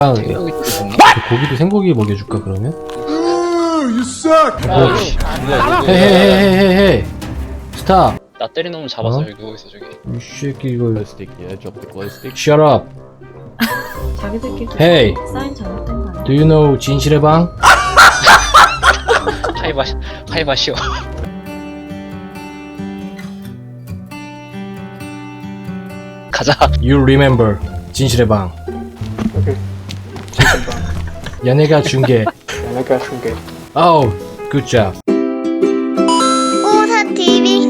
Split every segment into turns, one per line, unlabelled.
고기도 생고기 먹여줄까 그러면?
You suck!
헤헤헤헤헤 스탑.
나 때리는 놈 잡았어.
어?
여기 누워있어 저기.
이 새끼 이거
Yeah, drop the glow stick.
Shut up.
자기들끼리
Hey,
사인 잘못된 거 아니야?
do you know 진실의 방?
하이바시오. 가자.
You remember 진실의 방.
오케이.
연예가 중계.
내가 중계.
Oh, good job.
오사 TV.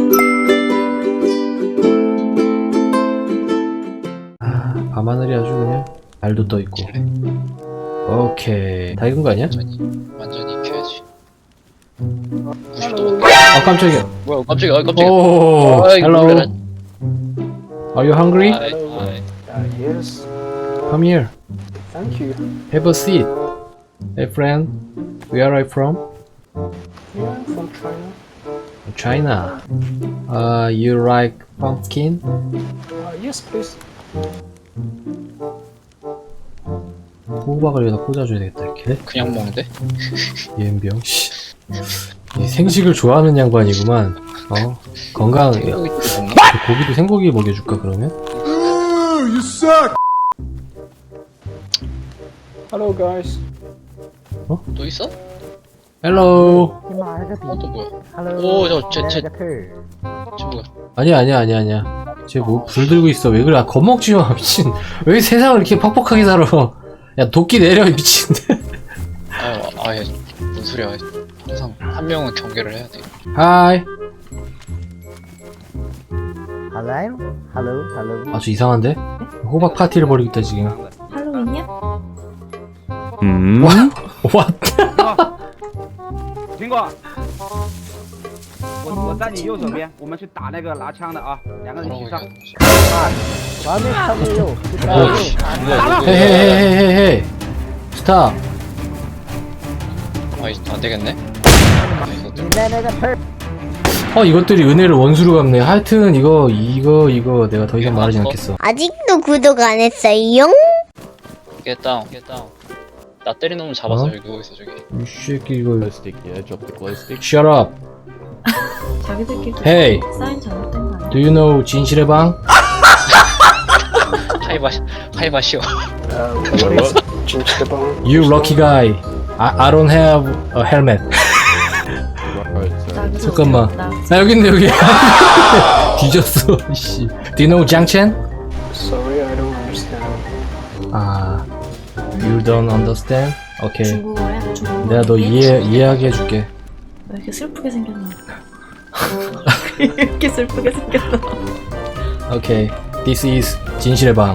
밤하늘이 아주 그냥 달도 떠 있고. 오케이. 다 익은 거 아니야?
완전히 익혀야지. 무시도.
아 깜짝이야.
뭐야 깜짝이야. 깜짝이야.
오,
아이,
hello.
놀래라.
Are you hungry?
아이.
Yes.
Come here.
Thank you.
Have a seat. Hey friend, where are you from?
Yeah, I'm from China.
China. You like pumpkin?
Yes, please.
호박을 여기다 꽂아줘야 되겠다 이렇게.
그냥 먹는데?
예은병. 씨. 이 생식을 좋아하는 양반이구만. 건강.
생고기 먹나?
고기도 생고기 먹여줄까 그러면?
You suck! Hello, guys.
또 있어?
Hello.
또 뭐야? 오, 쟤 뭐야?
아니야. 쟤 뭐 불 들고 있어. 왜 그래? 겁먹지 마 미친. 왜 세상을 이렇게 퍽퍽하게 살아? 야 도끼 내려 미친.
아예 뭔 소리야? 항상 한 명은 경계를 해야 돼.
Hi.
Hello.
아주 이상한데? 호박 파티를 벌이겠다 지금.
할로윈이야?
What?
苹果，我在你右手边，我们去打那个拿枪的啊，两个人一
뭐라고
起上。
얘기하는 거지?
헤헤헤헤헤 스탑.
안 되겠네.
이것들이 은혜를 원수로 갚네. 하여튼 이거 내가 더 이상 말하지 않겠어.
아직도 구독 안 했어요?
Get down. 나 때리는 놈 잡았어.
어?
여기 누워있어 저기.
이 새끼 이거
Glow stick. Yeah, drop the glow stick.
Shut up.
자기들끼리
Hey,
사인 잘못된 거 아니야?
do you know 진실의 방?
하이바시오.
What is 진실방?
You lucky guy. I don't have a helmet.
Right,
잠깐만. 나 여기 있네 여기. 뒤졌어. 씨. Do you know 장첸?
Sorry, I don't understand.
You don't understand? 오케이.
중국어야? 중국어?
내가 너 이해하게 해줄게.
왜 이렇게 슬프게 생겼나? 왜 이렇게 슬프게 생겼나?
오케이. This is 진실의 방.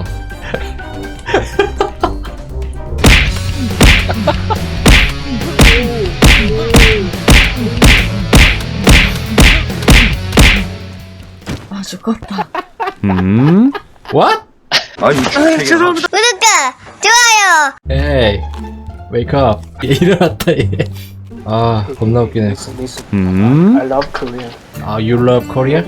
아 죽었다.
What?
구독자 좋아요.
Hey, wake up. 얘 일어났다 얘. 겁나 웃기네.
Listen. I love Korean.
You love Korea?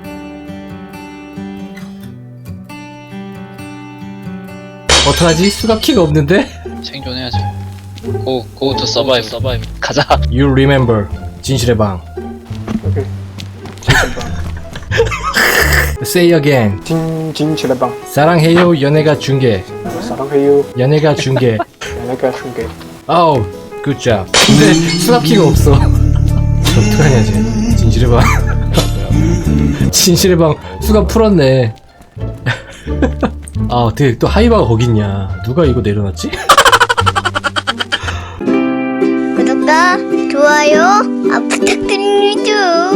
어떡하지? 수갑키가 없는데?
생존해야지. Go to survive. 가자.
You remember 진실의 방.
오케이. 진실방.
Say again.
진실방.
사랑해요 연예가 중계.
사랑해요.
연예가 중계.
내가 중계.
Oh, good job. 근데 수납키가 없어. 어떡하냐 쟤. 진실의 방. 진실의 방 수갑 풀었네. 어떻게 또 하이바가 거기 있냐. 누가 이거 내려놨지?
구독과 좋아요 부탁드립니다.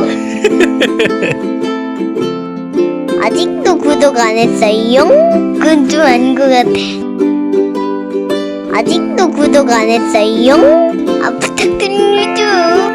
아직도 구독 안 했어요? 그건 좀 아닌 것 같아. 아직도 구독 안 했어요? 부탁드립니다.